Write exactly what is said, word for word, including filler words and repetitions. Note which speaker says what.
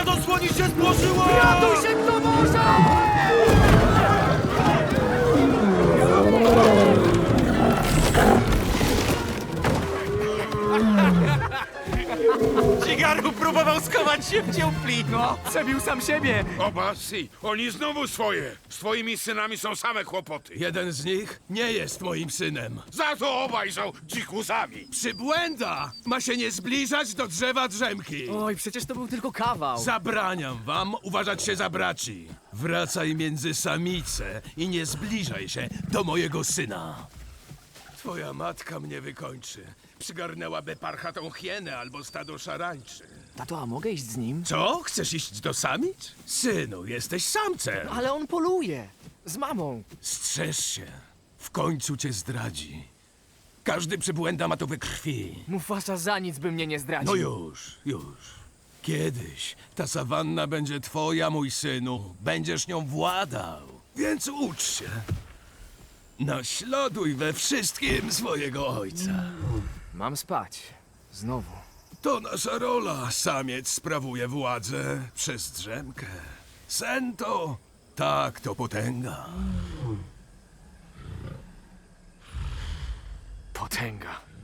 Speaker 1: Stadosłoni się złożyło!
Speaker 2: Ratuj się, kto może!
Speaker 1: Cigaru próbował schować się w dziupli!
Speaker 2: No, przebił sam siebie.
Speaker 3: Obasi, oni znowu swoje. Z twoimi synami są same kłopoty.
Speaker 4: Jeden z nich nie jest moim synem.
Speaker 3: Za to obaj są dzikusami.
Speaker 4: Przybłęda! Ma się nie zbliżać do drzewa drzemki.
Speaker 2: Oj, przecież to był tylko kawał.
Speaker 4: Zabraniam wam uważać się za braci. Wracaj między samice i nie zbliżaj się do mojego syna. Twoja matka mnie wykończy. Przygarnęłaby parchatą hienę albo stado szarańczy.
Speaker 2: Tato, a mogę iść z nim?
Speaker 4: Co? Chcesz iść do samic? Synu, jesteś samcem.
Speaker 2: Ale on poluje. Z mamą.
Speaker 4: Strzeż się. W końcu cię zdradzi. Każdy przybłęda ma to we krwi.
Speaker 2: Mufasa za nic by mnie nie zdradził.
Speaker 4: No już, już. Kiedyś ta sawanna będzie twoja, mój synu. Będziesz nią władał. Więc ucz się. Naśladuj we wszystkim swojego ojca.
Speaker 2: Mam spać. Znowu.
Speaker 4: To nasza rola. Samiec sprawuje władzę przez drzemkę. Sen to... Tak, to potęga.
Speaker 2: Potęga.